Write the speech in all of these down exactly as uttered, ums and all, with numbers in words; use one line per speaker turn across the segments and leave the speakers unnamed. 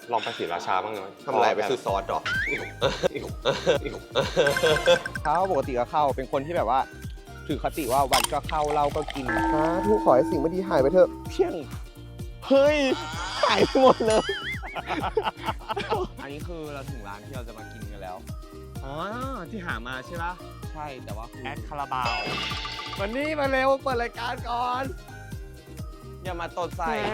ลองไปศรีราชาบ้างเลย
ทำอะไรไปซื้อซอสหรอเขาปกติก็เข้าเป็นคนที่แบบว่าถือคติว่าวันก็เข้าเราก็กินสาธุขอให้สิ่งไม่ดีหายไปเถอะเพียงเฮ้ยหายไปหมดเลยอันนี้คือเราถึงร้านที่เราจะมากินกันแล้วอ๋อที่หามาใช่ปะใช่แต่ว่าแอดคาราบาววันนี้มาเร็วเปิดรายการก่อนอย่ามาตดใส่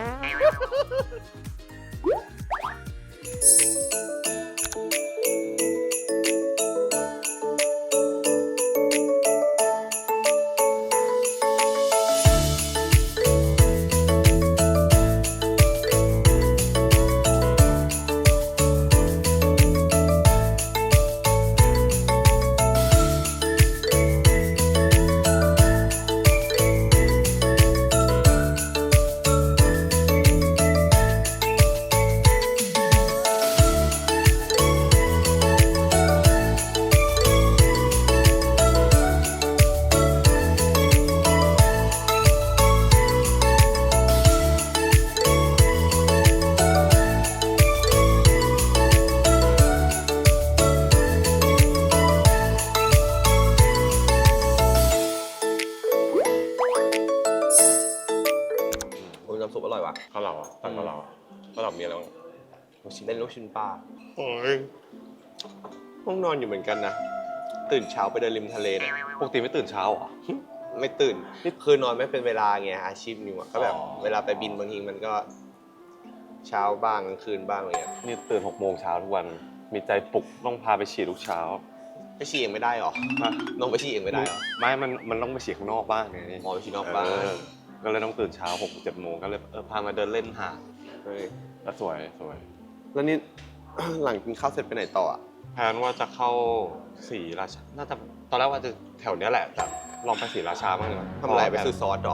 น้ำซุปอร่อยวะ
ข้าวเหลาตั้งข้าวเหลาข้าวเหลามีอะไรบ้าง
ลูกชิ้นเล่นลูกชิ้นปลา
โอ้ย
ห้องนอนอยู่เหมือนกันนะตื่นเช้าไปเดินริมทะเลเนี่ย
ปกติไม่ตื่นเช้าเหรอ
ไม่ตื่นคือนอนไม่เป็นเวลาไงอาชีพนิวอะก็แบบ
อ๋อ
เวลาไปบินบางทีมันก็เช้าบ้างกลางคืนบ้างอะไรเงี้ย
นี่ตื่นหกโมงเช้าทุกวันมีใจปลุกต้องพาไปฉี่ทุกเช้า
ไปฉี่เองไม่ได้หรอน้องไปฉี่เองไม่ได้หรอ
ไม่มันมันต้องไปฉี่ข้างนอกบ้างไง
หมอไปฉี่นอกบ้าน
เออก็เลยต้องตื่นเช้าหกเจ็ดโมงก็เลยเออพามาเดินเล่นหาด
เฮ้ย
แล้วสวยสวย
แล้วนี่ หลังกินข้าวเสร็จไปไหนต่ออะ
แพลนว่าจะเข้าศรีราชาน่าจะตอนแรกว่าจะแถวเนี้ยแหละแต่ลองไปศรีราชาบ้างเลย
ทำอะไรไปซื้อซอสหรอ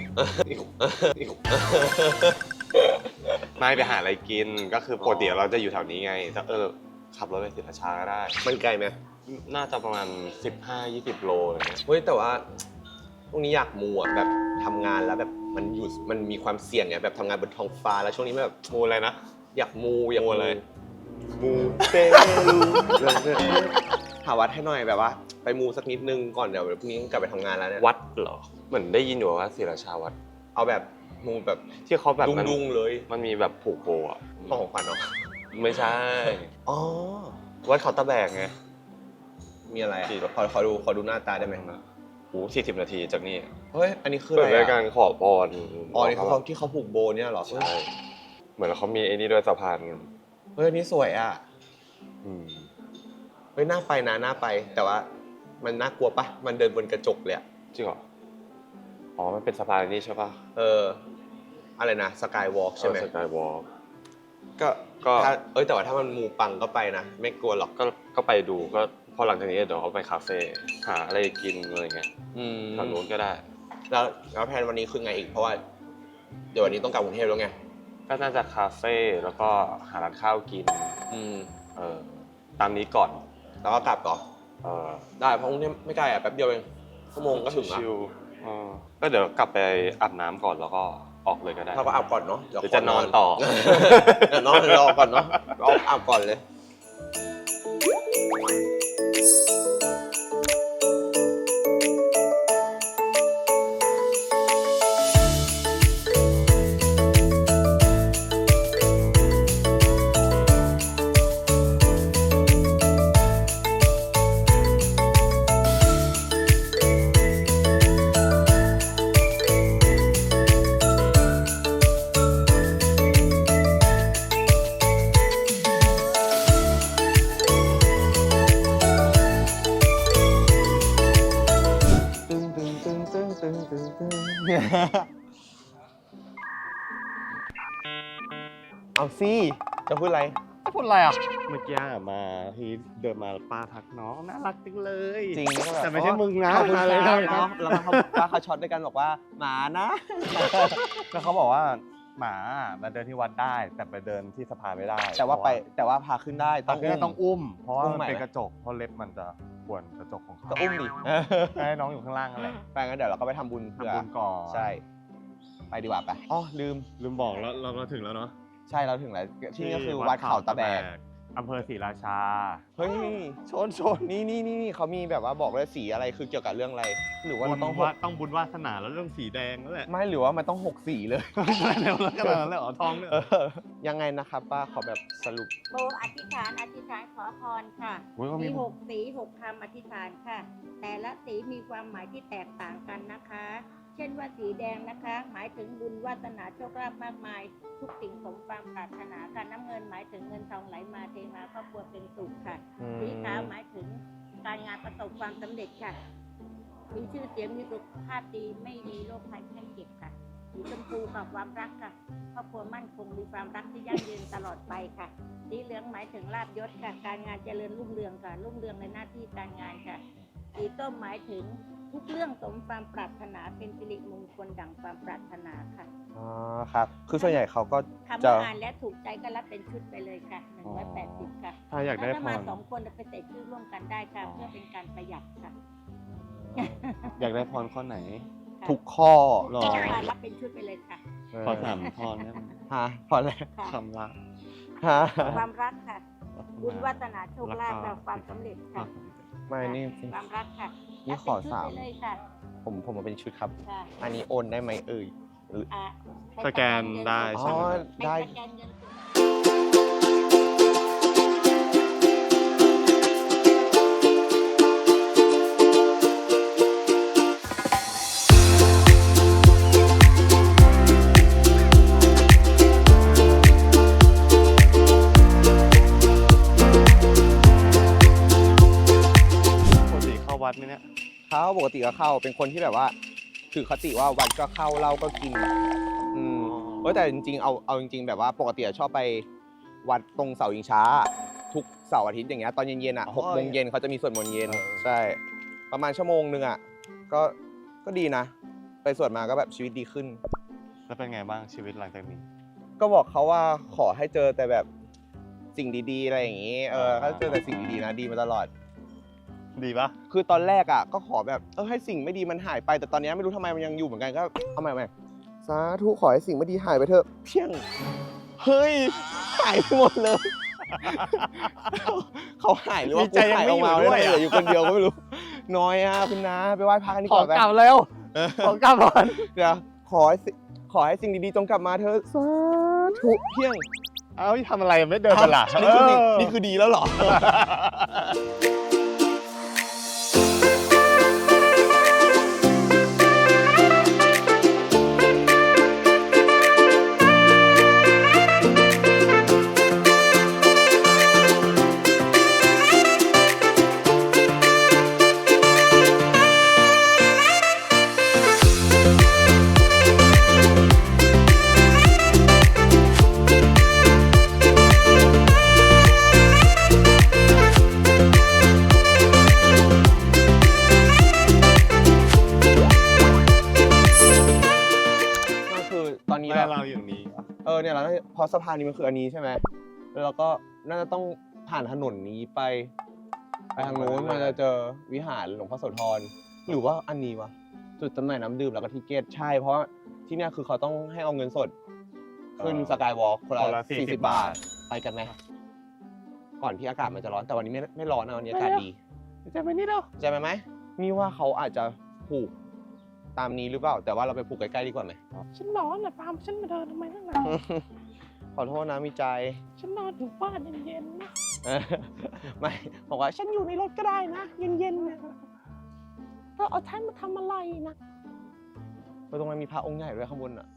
ไม่ไปหาอะไรกินก็คือปกติเราจะอยู่แถวนี้ไงแต่เออขับรถไปศรีราชาก็ได้
มันไกลไหม
น่าจะประมาณ สิบห้ายี่สิบ โลอะไรเงี้ย
เฮ้ยแต่ว่าพวกนี้อยากมูอ่ะแบบทำงานแล้วแบบมันอยู่มันมีความเสี่ยงไงแบบทำงานบนท้องฟ้าแล้วช่วงนี้แบบ
มูอะไรนะ
อยากมูอยาก
มูอะไร
มูเตลูหาวัดให้หน่อยแบบว่า ไปมูสักนิดนึงก่อนเดี๋ยวพรุ่งนี้กลับไปทำงานแล้วเนี่ย
วัดเหรอเหมือนได้ยินอยู่ว่าศรีราชาวัด
เอาแบบมูแบบ
ที่เขาแบบมัน
ดุงๆเลย
มันมีแบบผูกโบอ่ะ
ของขวัญเนาะ
ไม่ใช่
อ๋อ
วัดเขาตะแบกไง
มีอะไรอะ
ที่
ขอขอดูขอดูหน้าตาได้ไหม
โอ้สี่สิบนาทีจากนี่
เฮ้ยอันนี้คืออะ
เปิด
ไร
รายกา
อะ
รขอพร
อ๋อนี่เขาที่เขาผูกโบเนี่ยเหรอ
ใช่เหมือนเขามีไอ้นี่ด้วยสะพาน
เฮ้ยอันนี้สวยอ่ะ
อืม
เฮ้ยน่าไปนะน่าไป แต่ว่ามันน่ากลัวปะมันเดินบนกระจกเลยอะ
จริงเหรออ๋อมันเป็นสะพานนี่ใช่ป่ะ
เอออะไรนะสกายวอล์กใช่ไหม
สกายวอล์ก
ก็
ก็
ถ้าเอ้ยแต่ว่าถ้ามันมูปังก็ไปนะ ไม่กลัวหรอก
ก็ก็ไปดูก็พอหลังจากนี้เดี๋ยวเขาไปคาเฟ่หาอะไรกินอะไรเงี้ย
อืม
ทางนู้นก็ได้
แล้วแล้วแผนวันนี้คือไงอีกเพราะว่า เดี๋ยววันนี้ต้องกลับกรุงเทพแล้วไง
ก็น่าจะคาเฟ่แล้วก็หาร้านข้าวกิน
อืม
เออตามนี้ก่อน
แล้วก็กลับต่อ
เออ
ได้เพราะกรุงเทพไม่ไกลอ่ะแป๊บเดียวเองชั่วโมงก็ถึงละ
ชิวๆเออก็เดี๋ยวกลับไปอาบน้ำก่อนแล้วก็ออกเลยก็ได้
เราก็อาบก่อนเนาะ
หรือจะนอนต่อ
เดี๋ยวนอนรอก่อนเนาะเอาอาบก่อนเลย เอาสิจะพูดอะไร
จะพูดอะไรอ่ะเมื่อกี้มาที่เดินมาป้าทักน้องน่ารักจังเลย
จริงก็แบบ
แต่ไม่ใช่มึงนะ
ขอบคุณ
มา
ค
เลย
รับ
นะ
เนาะแล้วเขาว่าเขาช็อตด้วยกันบอกว่าหมานะ
แล้วเขาบอกว่าหมามาเดินที่วัดได้ แต่ไปเดินที่สะพานไม่ได้
แต่ว่าไปแต่ว่าพาขึ้นได้
ต้
ต้
อ
อง ง
อุ้มต้องอุ้ม เพราะว่า
อุ้ม
มัน
ใหม่
เป็น
ไหม
กระจกเพราะเล็บมันจะข่วนกระจกของเขา
ก็อุ้มดิ
ให้น้องอยู่ข้างล่างนั่นแหละ
ไปงั้นเดี๋ยวเราก็ไปทำบุญเพื่อ
ทำบุญก่อน
ใช่ ไปดีกว่าไปอ๋อลืม
ลืมบอกแล้วเราเราถึงแล้วเนาะ
ใช่เราถึงแล้วที่นี่ก็คือวัดเขาตะแบก
อำเภอศรีราชา
เฮ้ยชนชนนี่นี่นี่นี่เขามีแบบว่าบอกเลยสีอะไรคือเกี่ยวกับเรื่องอะไร หรือว่าเราต้องห
ว่าก ต้องบุญวาสนาแล้วเรื่องสีแดงนั่นแหละ
ไม่หรือว่ามันต้องหกสีเลย
แล้วแล้วก็แล้วแล้วทองเนี่ย
เออยังไงนะครับป้าขอแบบสรุป
โบอธิษฐานอธิษฐานขอพรค่ะ
โอ้ยก็มี
มีหกสีหกคำอธิษฐานค่ะ แต่ละสีมีความหมายที่แตกต่างกันนะคะ เช่นว่าสีแดงนะคะ หมายถึงบุญวาสนาโชคลาภมากมาย ทุกสิ่งสมความปรารถนาค่ะน้ำเงินหมายถึงเงินทองไหลมาเทมาครอบครัวเป็นสุขค่ะ
อืม
สีขาวหมายถึงการงานประสบความสำเร็จค่ะ มีชื่อเสียงมีสุขภาพดีไม่มีโรคภัยไข้เจ็บค่ะ สีชมพูกับความรักค่ะครอบครัวมั่นคงมีความรักที่ยั่งยืนตลอดไปค่ะ สีเหลืองหมายถึงลาภยศค่ะ การงานเจริญรุ่งเรืองค่ะ รุ่งเรืองในหน้าที่การงานค่ะ สีส้มหมายถึงทุกเรื่องสมความปรารถนาเป็นสิริมงคลดั่งความปรารถนาค่ะ
อ๋อครับ คือส่วนใหญ่เขาก็
คำ
จะ
ว่าอ่านและถูกใจก็รับเป็นชุดไปเลยค่ะหนึ่งร้อยแปดสิบค่ะ
ถ้าอยากได้
ถ้า
พ
มาร สองคนจะไปใส่ชื่อร่วมกันได้ค่ะ เพื่อเป็นการประหยัดค่ะ
อยากได้พรข้อไหน
ทุกข้อ
หรอ
ก็มารับเป็นชุดไปเลยค่ะ
ขอสามพรได้ไหม
ฮะพอแล้ว
ค่ะ
คำละ
ฮะ
ความรักค่ะ บุญวาสนาโชคลาภและความสำเร็จค่ะ
ไม่นี่
ความรักค่ะ
นี่ขอสาม
รับเป็นชุดไปเลยค่ะ
ผมผมมาเป็นชุดครับ
ค่ะ
อันนี้โอนได้ไหมเอ่ย
อ่ะ
สแกนได้
อ๋
ใช่
อ
ไหม
ได้
เป็นสแกนเงินสด
ปกติเข้าวัดไหมเนี่ย
เขาปกติก็เข้าเป็นคนที่แบบว่าถือคติว่าวัดก็เข้าเหล้าก็กิน อืมเออแต่จริงๆเอาเอาจริง ๆ แบบว่าปกติอะชอบไปวัดตรงเสาอิงช้า ทุกเสาร์อาทิตย์อย่างเงี้ยตอนเย็นๆอ่ะ
อ๋อ
หกโมงเย็นเขาจะมีสวดมนต์เย็น
เออ
ใช่ ประมาณชั่วโมงนึงอ่ะก็ก็ดีนะ ไปสวดมาก็แบบชีวิตดีขึ้น
แล้วเป็นไงบ้างชีวิตหลังจากนี้
ก็บอกเขาว่าขอให้เจอแต่แบบสิ่งดีๆอะไรอย่างงี้เออ
อ่า
ถ้าเจอแต่สิ่งดีๆนะดีมาตลอด
ดีปะ
คือตอนแรกอ่ะก็ขอแบบเออให้สิ่งไม่ดีมันหายไปแต่ตอนนี้ไม่รู้ทำไมมันยังอยู่เหมือนกันก็เอาใหม่ใหม่สาธุขอให้สิ่งไม่ดีหายไปเถอะเพียงเฮ้ยหายไปหมดเลย เขาหายหรือว่า
มีใจ
กูหายออกมา
ยังไม่
ไม่
อยู่
ได้
ด้วยอะ
เหลืออยู่คนเดียวก็ไม่รู้น้อยอ่ะคุณน้าไปไหว้พระกันดี
ข
ก
อ
ว่าไป
กลับแล้วขอกลับก่อน
เดี๋ยวขอให้สิขอให้สิ่งดีๆจงกลับมาเถอะสาธุเพียง
เอ้าทำอะไรไม่เดินไปล่ะ
อ้าวนี่คือดีนี่คือดีแล้วเหรอ ก็คือตอนนี้
แม่
เรา
เราอย่างนี้
เออเนี่ยเราเพราะสะพานนี้มันคืออันนี้ใช่ไหมแล้วเราก็น่าจะต้องผ่านถนนนี้ไป ไปทางโน้นมันจะเจอวิหารหลวงพ่อโสธรหรือว่าอันนี้วะจุดจำหน่ายน้ำดื่มแล้วก็ทิเกตใช่เพราะที่เนี่ยคือเขาต้องให้เอาเงินสด ขึ้น
เออ
สกายวอล์กคน
คน
ละ
ละ
สี่
สี่สิ
สิ
บ
บบา
บา
ท
ท
ไปกันไหมก่อนที่อากาศมันจะร้อนแต่วันนี้ไม่ไม่ร้อนนะวันนี้อากาศดี
จะไปนี่เนาะ
จะไปไหมนี่ว่าเขาอาจจะผูกตามนี้หรือเปล่า แต่ว่าเราไปผูกใกล้ๆดีกว่าไหม
ฉันร้อนอ่ะปาล์มฉันมาเดินทำไมตั้งนาน
ขอโทษนะมีใจ
ฉันนอนอยู่บ้านเย็นๆนะ
เออไม่บอกว่าฉันอยู่ในรถก็ได้นะ เย็นๆนะ
เธอเอาฉันมาทำอะไรนะ
เออตรงนั้นมีพระองค์ใหญ่ด้วยข้างบนอ่ะ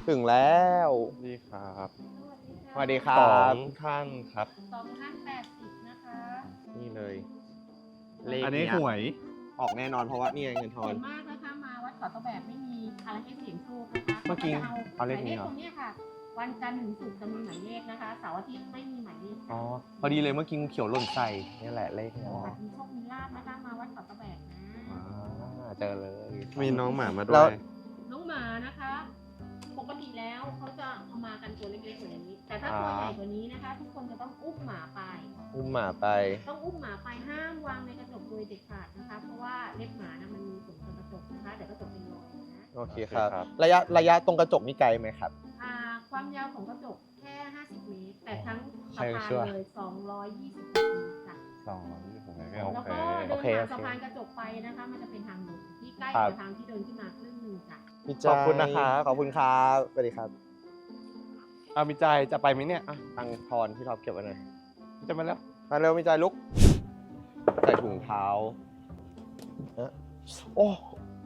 ถึงแล้ว
นี่ครับ
สวัสดีครั
สอบ งท่านครับ
สองท่านแปดสิบนะคะ
นี่เลยเลข
อันนี้
เย
หวย
ออกแน่นอนเพราะว่านี่ไงเงินท
ส่
อ
วน นมากนะคะมาวัดเกาะตะแบบไม่มีอะไรให้เสียงโชคนะคะ
เมื่อกี้
ขาจะ
เอาเลข
หมาย
นี้
เลข
เหรอ
ตรงเนี้ยค่ะ วันจันทร์ถึงศุกร์จะมีหมายเลขนะคะเสาร์อาทิตย์ไม่มีหมายเลข
อ๋อพอดีเลยเมื่อกี้งูเขียวหล่นใส่นี่แหละเลขเนี่ย
ค่ะมีโชคมีลาบนะคะมาวัดเกาะตะแบบนะ
อ่าเจอเลย
มีน้องหมามาด้
แล้ว
วย
น้องหมานะคะ ปกติแล้วเขาจะเอามากันตัวเล็กๆกว่านี้ แต่ถ้าตัวใหญ่กว่านี้นะคะ ทุกคนจะต้องอุ้มหมาไป
อุ้มหมาไป
ต้องอุ้มหมาไปห้ามวางในกระจกโดยเด็ดขาดนะคะ เพราะว่าเล็บหมานะมันมีผลต่อกระจกนะคะเดี๋ยวกระจกเป็นรอยนะ
โอเคครับ
โอเคครับ
ระยะระยะตรงกระจกนี่ไกลไหมครับ
อ่าความยาวของกระจกแค่ห้าสิบเมตร แต่ทั้งสะ
ใช่
พาน
ชัวร์
เลยสองร้อยยี่สิบเมตรค่ะ
สองยี่สิบเมตร
แล้ว
โอ
ก็
เค
เดิ
โอน เค
ผ่าน
โอเค
สะพานกระจกไปนะคะ มันจะเป็นทางลงที่ใกล้
ครับ
กับทางที่เดินขึ้นมาครึ่งหนึงค่ะ
มีใจ
ขอบคุณนะครับ
ขอบคุณครับสวัสดีครับ
เอามีใจจะไปไหมเนี่ย
อ่ะตังค์ทอนพี่ท็อปเก็บไว้หน่อย
จะมาแล้ว
มาเร็วมีใจลุก ใส่ถุงเท้าเอ๊ะโอ้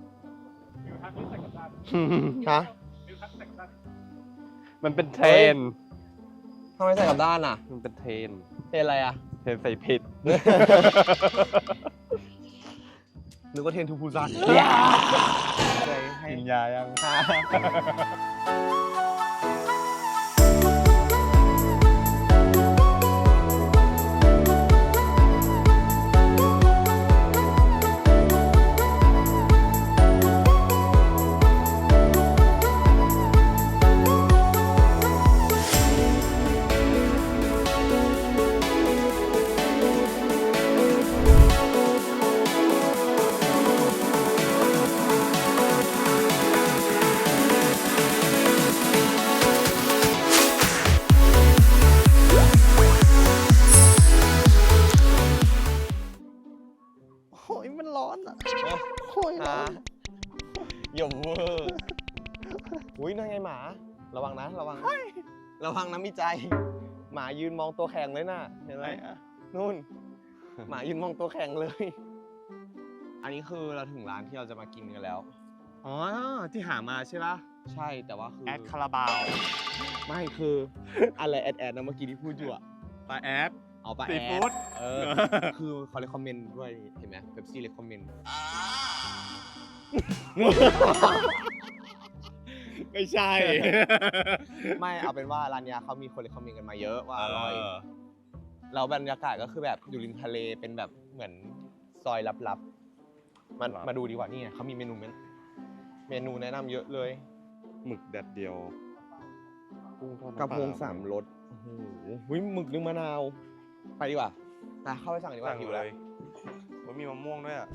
ฮะ
มันเป็นเทรน
ทำไมใส่กลับด้านอ่ะ
มันเป็นเทรน
เป็นอะไรอ่ะ
เทรนใส่ผิด
นึกว่าเทนทูพูซันเลยให้
กินยายัง
โอ้ยมันร้อนอ่ะโอ้ยร้อนหย่มเวอร์อุ้ยนั่นไงหมา ระวังนะ ระวัง ระวังนะมีใจ หมายืนมองตัวแข็งเลยน่ะ เห็นไหมนู่น หมายืนมองตัวแข็งเลย อันนี้คือเราถึงร้านที่เราจะมากินกันแล้ว
อ๋อ ที่หามาใช่ปะ
ใช่แต่ว่าคือ
แอดคาราบาว
ไม่คือ อะไรแอดแอดนะเมื่อกี้ที่พูดอยู่อะ
ปลาแอด
เอาปะ
ซี
แอ
ฟู้
ด
ด
เออ คือเขาเลยคอมเมนต์ด้วยเห็นไหมเป๊ปซี่เลยคอมเมนต์
ไม่ใช่
ไม่เอาเป็นว่าร้านเนี้ยเขามีคนเลยคอมเมนต์กันมาเยอะว่าอร่อยแล้วบรรยากาศก็คือแบบอยู่ริมทะเลเป็นแบบเหมือนซอยลับๆมา
ลับ
มาดูดีกว่านี่ไงเขามีเมนูเมนเมนูแนะนำเยอะเลย
หมึกแดดเดียวกุ้งทอด
กระพง
น้ำปล
สามรสโอ้โหหุ้ยหมึกนึ่งมะนาว ไปดีกว่าไปเข้าไปสั่งดีกว่า
สั่ง
หิว
เล
แล้ว
ยมันมีมะม่วงด้วยอ่ะ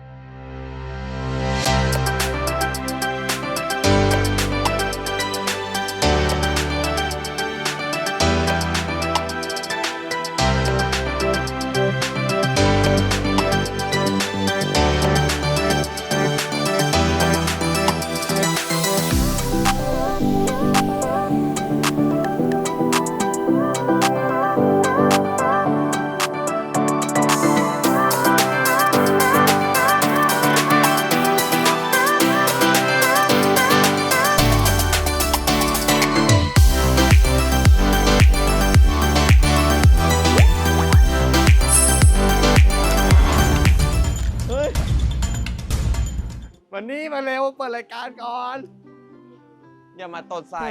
เฮ้ย
วันนี้มาเร็วเปิดรายการก่อน
อย่ามาตดใส่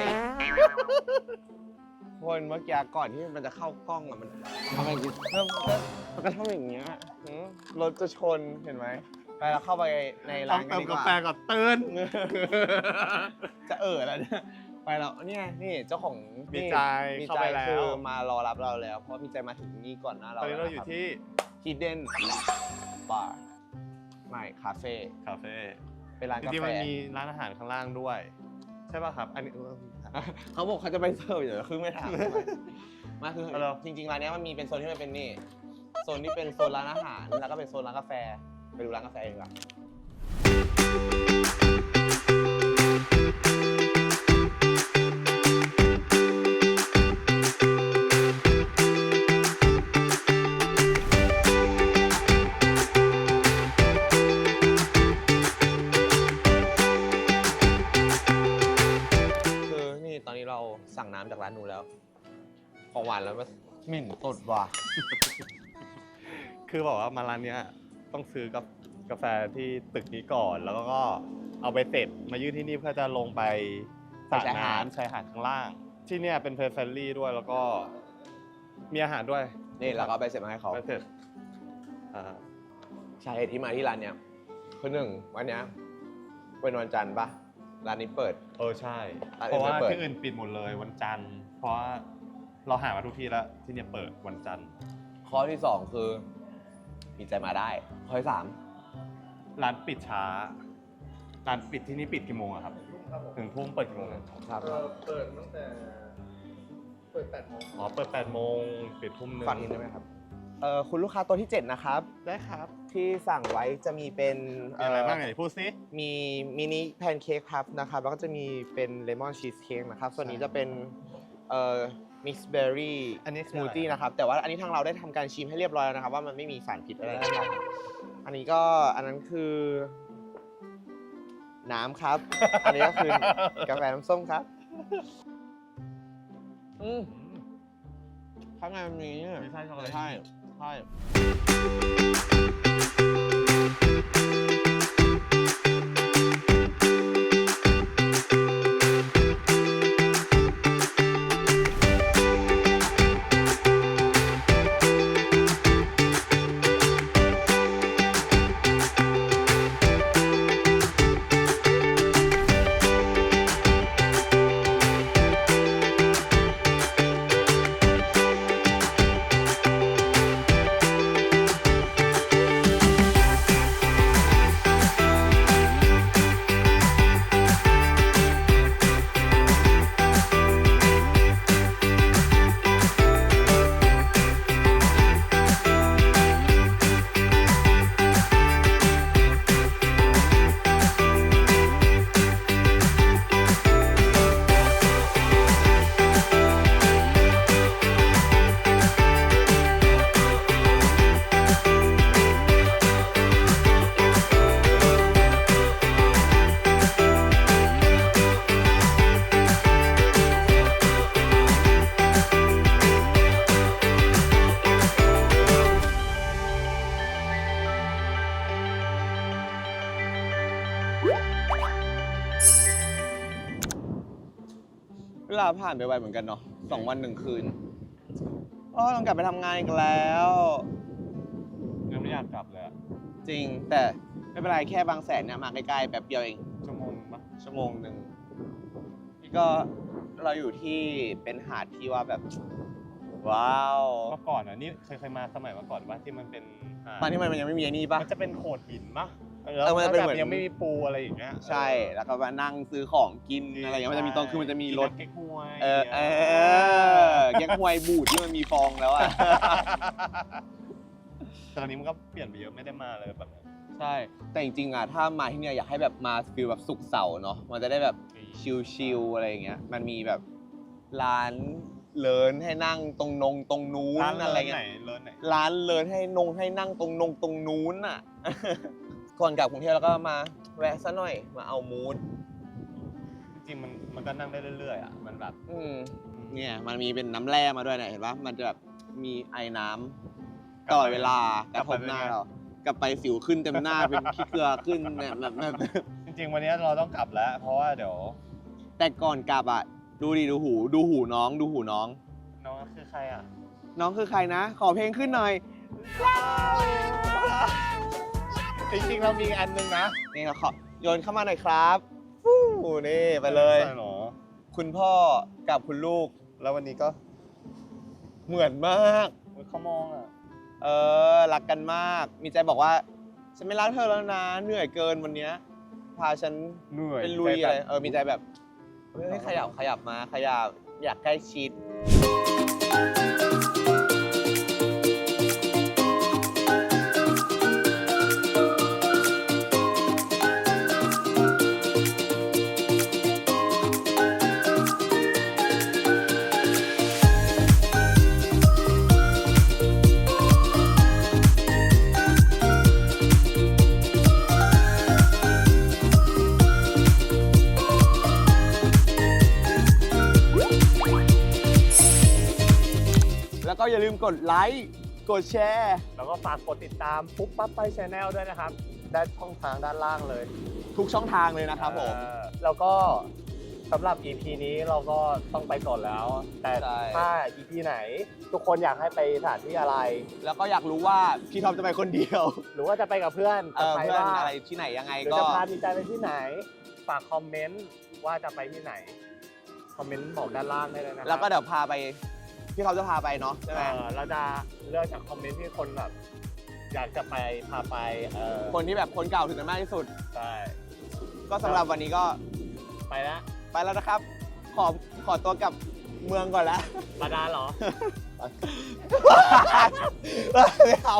คนเมื่อกี้ก่อนที่มันจะเข้ากล้องอะมันทำไมเริ่มมันก็ทำอย่างเงี้ยหือรถจะชนเห็นไหมไปเราเข้าไปในร้านกันดีกว่า
ก่อนตื่น
จะเออแล้วเนี่ยไปแล้วเนี่ยนี่เจ้าของ
มีใจ
มี
เข้า
ใจ
ไปแล้ว
คือมารอรับเราแล้ว เพราะมีใจมาถึงนี่ก่อนหน้า
ต
เรา
อนนี้เราอยู่ที่
ฮิดเด้นบาร์ไม่คาเฟ่
คาเฟ่
เป็นร้าน
จ
กา
ริงๆ
แฟ
มันมีร้านอาหารข้างล่างด้วย ใช่ป่ะครับ อันนี้
เขาบอกเขาจะไปเสิร์ฟอยู่แต่คือไม่ถาม มาคือ
เอาเหรอ
จริงๆร้านเนี้ยมันมีเป็นโซนที่มันเป็นนี่โซนที่เป็นโซนร้านอาหารแล้วก็เป็นโซนร้านกาแฟไปดูร้านกาแฟเองดีกว่าคือสั่งน้ำจากร้านนู้นแล้ว ของหวานแล้วมันเหม็นตดว่ะ
คือบอกว่ามาร้านเนี้ยต้องซื้อกับกาแฟที่ตึกนี้ก่อน แล้วก็เอาไปเสร็จมายื่นที่นี่เพื่อจะลงไปสระ
ชายหาด
น้ำชายหาดข้างล่าง ที่เนี่ยเป็นเพลย์เฟรนลี่ด้วยแล้วก็มีอาหารด้วย
นี่เราก็เอาไปเสร็จมาให้เขา
ไปเสร็จอ่า
สาเหตุที่มาที่ร้านเนี้ยคือหนึ่งวันเนี้ยเป็นวันจันทร์ปะร้านนี้เปิด
เออใช่
ร้าน
เพ
อื่น
ราะว่า
ไม่เปิด
ที่อื่นปิดหมดเลยวันจันทร์ เพราะว่าเราหามาทุกที่แล้วที่เนี่ยเปิดวันจันทร์
ข้อที่สองคือมีใจมาได้ ข้อที่สาม
ร้านปิดช้า ร้านปิดที่นี่ปิดกี่โมงอะครับ ถึงทุ่มเปิดกี่โมงอะ
ครับ
เปิดตั้งแต่เปิดแปดโมง
อ๋อเปิดแปดโมงปิดทุ่มหนึ่ง
ฝากนิดได้ไหมครับเอ่อคุณลูกค้าตัวที่เจ็ดนะครับ
ได้ครับ
ที่สั่งไว้จะมีเป็น
มีอะไรบ้างไหนพูดซิ
มีมินิแพนเค้กครับนะครับแล้วก็จะมีเป็นเลมอนชีสเค้กนะครับส่วนนี้จะเป็นเอ่อมิกซ์เบอร์รี่
อันนี้
ส
คือ
มู
อะไร
ทตี้นะครับแต่ว่าอันนี้ทางเราได้ทำการชิมให้เรียบร้อยแล้วนะครับว่ามันไม่มีสารพิษอะไรนะครับอันนี้ก็อันนั้นคือ น้ำครับ อันนี้ก็คือกาแฟน้ำส้มครับอืมข้างในมันมีเนี่ย
ไม่ใช่ช็อกโกแลต
ใช่ใช่ เวลาผ่านไปไวเหมือนกันเนาะสองวันหนึ่งคืนอ๋อต้องกลับไปทำงานอีกแล้ว
ยังไม่อยากกลับเลยอะ
จริงแต่ไม่เป็นไรแค่บางแสนเนี่ยมาใกล้ๆแป๊บเดียวเอง
ชั่วโมงปะ
ชั่วโมงหนึ่งนี่ก็เราอยู่ที่เป็นหาดที่ว่าแบบ ว้าว
เมื่อก่อนอ่ะนี่เคยเคยมาสมัยเมื่อก่อนว่าที่มันเป็นหาด
ตอนที่มันยังไม่มีไอ้นี่ปะ
มันจะเป็นโขดหินปะ
เออมันจะเป็นเหมือน
แล้วแบบยังไม่มีปูอะไรอย่างเงี้ย
ใช่แล้วก็มานั่งซื้อของกินอะไรอย่างเงี้ยมันจะมีตรงคือมันจะมีรถ
กินเก๊กฮวย
เออเออแกงฮวยบูดที่มันมีฟองแล้วอ่ะ
แต่ตอนนี้มันก็เปลี่ยนไปเยอะไม่ได้มาเลยแบบนั้น
ใช่ แต่จริงๆอ่ะถ้ามาที่เนี่ยอยากให้แบบมาฟิลแบบสุกร์เสาร์เนาะมันจะได้แบบชิลๆอะไรอย่างเงี้ยมันมีแบบร้านเลินให้นั่งตรงนงตรงนู้น
ร้าน
อะไร
เลิศ
เงี้
ไหน
ย
เลิศไหน
ร้านเลินให้นงให้นั่งตรงนงตรงนู้นอ่ะ ก่อนกลับกรุงเทพแล้วก็มาแวะซะหน่อยมาเอามูด
จริงๆมันมันก็นั่งได้เรื่อยๆอ่ะมันแบบ
อืมเนี่ยมันมีเป็นน้ำแร่มาด้วยเนี่ยเห็นปะมันจะแบบมีไอ้น้ำตลอดเวลากระทบหน้าเรากลับไปสิวขึ้นเต็มหน้า เป็นขี้เกลือขึ้นเนี่ยแบบแบบ
จริงๆวันนี้เราต้องกลับแล้ว เพราะว่าเดี๋ยว
แต่ก่อนกลับอ่ะดูดิดูหูดูหูน้องดูหูน้อง
น้องคือใครอ่ะ
น้องคือใครนะ ขอเพลงขึ้นหน่อย
จริงๆเรามีอันนึงนะ
นี่เราขอโยนเข้ามาหน่อยครับฟู้นี่ไปเลย
ใช่หรอ
คุณพ่อกับคุณลูก
แล้ววันนี้ก็
เหมือนมาก
อุ๊ยเขามองอ่ะ
เออรักกันมาก มีใจบอกว่า ฉันไม่รักเธอแล้วนะ เหนื่อยเกินวันเนี้ยพาฉัน
เหนื่อย
เป็นลุยอะไรเออมีใจแบบเฮ้ยขยับขยับมาขยับอยากใกล้ชิดอย่าลืมกดไลค์กดแชร์
แล้วก็ฝากกดติดตามปุ๊บปั๊บไปชแนลด้วยนะครับด้านช่องทางด้านล่างเลย
ทุกช่องทางเลยนะครับผม
เออแล้วก็สำหรับ อี พี นี้เราก็ต้องไปก่อนแล้ว แต่
ใช่
ถ้า อี พี ไหน ทุกคนอยากให้ไปสถานที่อะไร
แล้วก็อยากรู้ว่าพี่ท็อปจะไปคนเดียว
หรือว่าจะไปกับเพื่อน
เอ
กับ
อ
ใคร
เพื่อน
บ้าง
อะไรที่ไหนยังไง
หรือ
ก็
จะพาดีใจไปที่ไหน ฝากคอมเมนต์ว่าจะไปที่ไหน คอมเมนต์บอกด้านล่างได้เลยนะครับ
แล้วก็เดี๋ยวพาไปพี่ท็อปจะพาไปเนาะใช่ไหม
เออเราจะเลือกจากคอมเมนต์ที่คนแบบอยากจะไปพาไปเออ
คนที่แบบคนเก่าถึงกันมากที่สุด
ใช่
ก็สำหรับวันนี้ก็
ไปแล้ว
ไปแล้วนะครับ ขอขอตัวกลับเมืองก่อนแล้ว
บาดาลเหรอ
ไม่เอา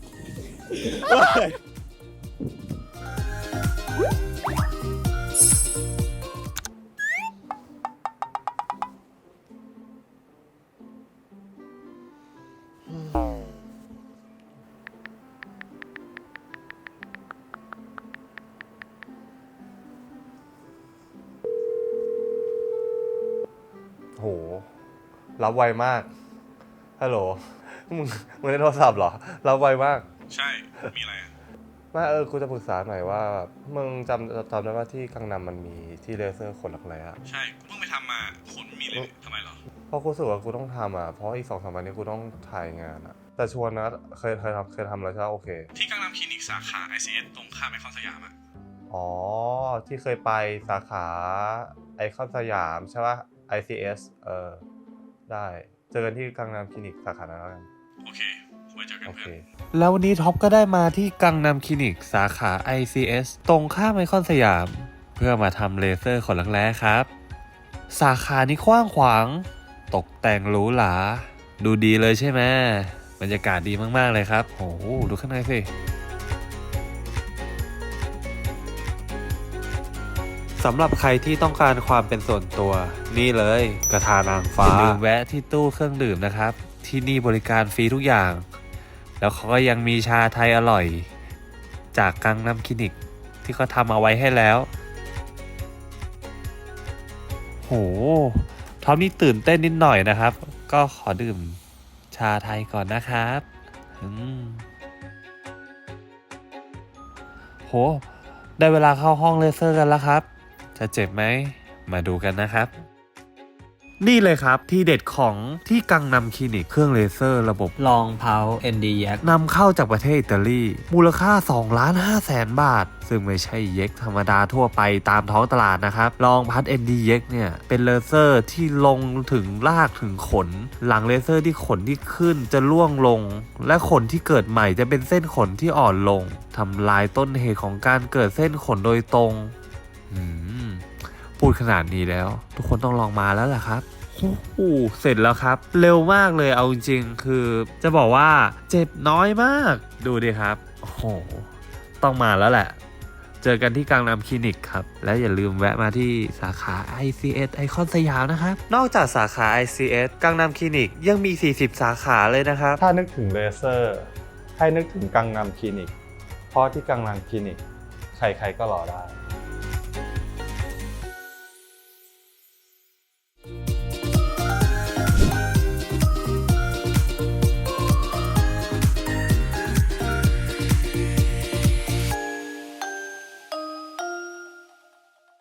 โห รับไวมาก ฮัลโหล มึง มึงได้โทรศัพท์เหรอ รับไวมาก
ใช่ มีอะไรอ่ะ
ไม่เออ กูจะปรึกษาหน่อยว่า มึงจำจำได้ว่าที่กังนำมันมีที่เลเซอร์ขนหลักแร้อะ
ใช่ กูเพิ่งไปทำมาขนไม่มีเลยทำไมเหรอ
เพราะกูรู้สึกว่ากูต้องทำอ่ะ เพราะอีกสองสามวันนี้กูต้องถ่ายงานอ่ะ แต่ชวนนะ เคยเคยทำเคยทำแล้วใช่ไหมโอเค
ที่กังนำคลินิกสาขา ไอ ซี เอส ตรงข้ามไอคอนสยามอ่ะ
อ๋อ ที่เคยไปสาขาไอคอนสยามใช่ป่ะ ไอ ซี เอส เออ ได้ เจอกันที่กังนำคลินิกสาขานั้นแล้วกัน
โอเค ไว้เจอกัน
โอ
เพื่
เค
อน
แล้ววันนี้ท็อปก็ได้มาที่กังนำคลินิกสาขา ไอ ซี เอส ตรงข้ามไอคอนสยาม เพื่อมาทำเลเซอร์ขนรักแร้ครับ สาขานี้กว้างขวาง ตกแต่งหรูหราดูดีเลยใช่ไหมบรรยากาศดีมากๆเลยครับโอ้โหดูข้างในสิสำหรับใครที่ต้องการความเป็นส่วนตัวนี่เลยกระทานางฟ้าอย่าลืมแวะที่ตู้เครื่องดื่มนะครับ ที่นี่บริการฟรีทุกอย่าง แล้วเขาก็ยังมีชาไทยอร่อย จากกังนำคลินิกที่เขาทำเอาไว้ให้แล้วโหท็อปนี่ตื่นเต้นนิดหน่อยนะครับ ก็ขอดื่มชาไทยก่อนนะครับอืมโหได้เวลาเข้าห้องเลเซอร์กันแล้วครับจะเจ็บไหมมาดูกันนะครับนี่เลยครับที่เด็ดของที่กังนำคลินิกเครื่องเลเซอร์ระบบลองเพา เอ็น ดี เอ็กซ์ นำเข้าจากประเทศอิตาลีมูลค่า สองล้านห้าแสน บาท ซึ่งไม่ใช่เย็กธรรมดาทั่วไปตามท้องตลาดนะครับลองพัด เอ็น ดี เอ็กซ์ เนี่ยเป็นเลเซอร์ที่ลงถึงรากถึงขน หลังเลเซอร์ที่ขนที่ขึ้นจะร่วงลง และขนที่เกิดใหม่จะเป็นเส้นขนที่อ่อนลงทำลายต้นเหตุของการเกิดเส้นขนโดยตรงอืมพูดขนาดนี้แล้วทุกคนต้องลองมาแล้วล่ะครับโอ้โหเสร็จแล้วครับเร็วมากเลยเอาจริงๆคือจะบอกว่าเจ็บน้อยมากดูดิครับโอ้โหต้องมาแล้วแหละเจอกันที่กังนำคลินิกครับและอย่าลืมแวะมาที่สาขา ไอ ซี เอส ไอคอนสยามนะครับนอกจากสาขา ไอ ซี เอส กังนำคลินิกยังมีสี่สิบสาขาเลยนะครับ
ถ้านึกถึงเลเซอร์ให้นึกถึงกังนำคลินิกเพราะที่กังนำคลินิกใครๆก็รอได้